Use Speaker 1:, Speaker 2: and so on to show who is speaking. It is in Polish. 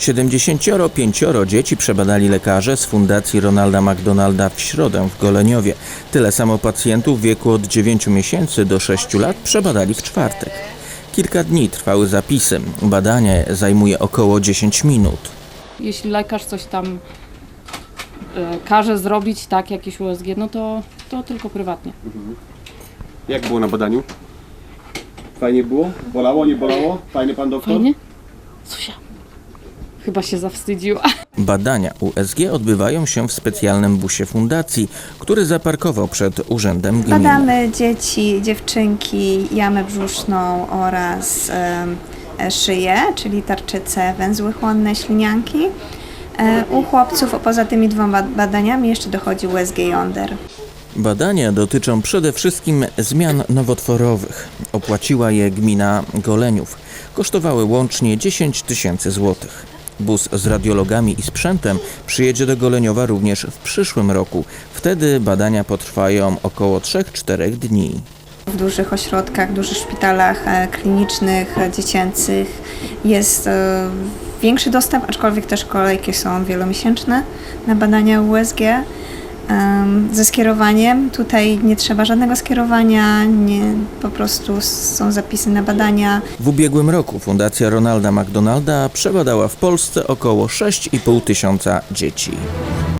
Speaker 1: 75 dzieci przebadali lekarze z Fundacji Ronalda McDonalda w środę w Goleniowie. Tyle samo pacjentów w wieku od 9 miesięcy do 6 lat przebadali w czwartek. Kilka dni trwały zapisy. Badanie zajmuje około 10 minut.
Speaker 2: Jeśli lekarz coś tam każe zrobić, tak, jakieś USG, no to tylko prywatnie.
Speaker 3: Jak było na badaniu? Fajnie było? Bolało, nie bolało? Fajny pan doktor?
Speaker 2: Fajnie? Susia. Chyba się zawstydziła.
Speaker 1: Badania USG odbywają się w specjalnym busie fundacji, który zaparkował przed urzędem gminy.
Speaker 4: Badamy dzieci, dziewczynki, jamę brzuszną oraz szyję, czyli tarczycę, węzły chłonne, ślinianki. U chłopców poza tymi dwoma badaniami jeszcze dochodzi USG jąder.
Speaker 1: Badania dotyczą przede wszystkim zmian nowotworowych. Opłaciła je gmina Goleniów. Kosztowały łącznie 10 000 złotych. Bus z radiologami i sprzętem przyjedzie do Goleniowa również w przyszłym roku. Wtedy badania potrwają około 3-4 dni.
Speaker 4: W dużych ośrodkach, dużych szpitalach klinicznych, dziecięcych jest większy dostęp, aczkolwiek też kolejki są wielomiesięczne na badania USG. Ze skierowaniem, tutaj nie trzeba żadnego skierowania, po prostu są zapisy na badania.
Speaker 1: W ubiegłym roku Fundacja Ronalda McDonalda przebadała w Polsce około 6,5 tysiąca dzieci.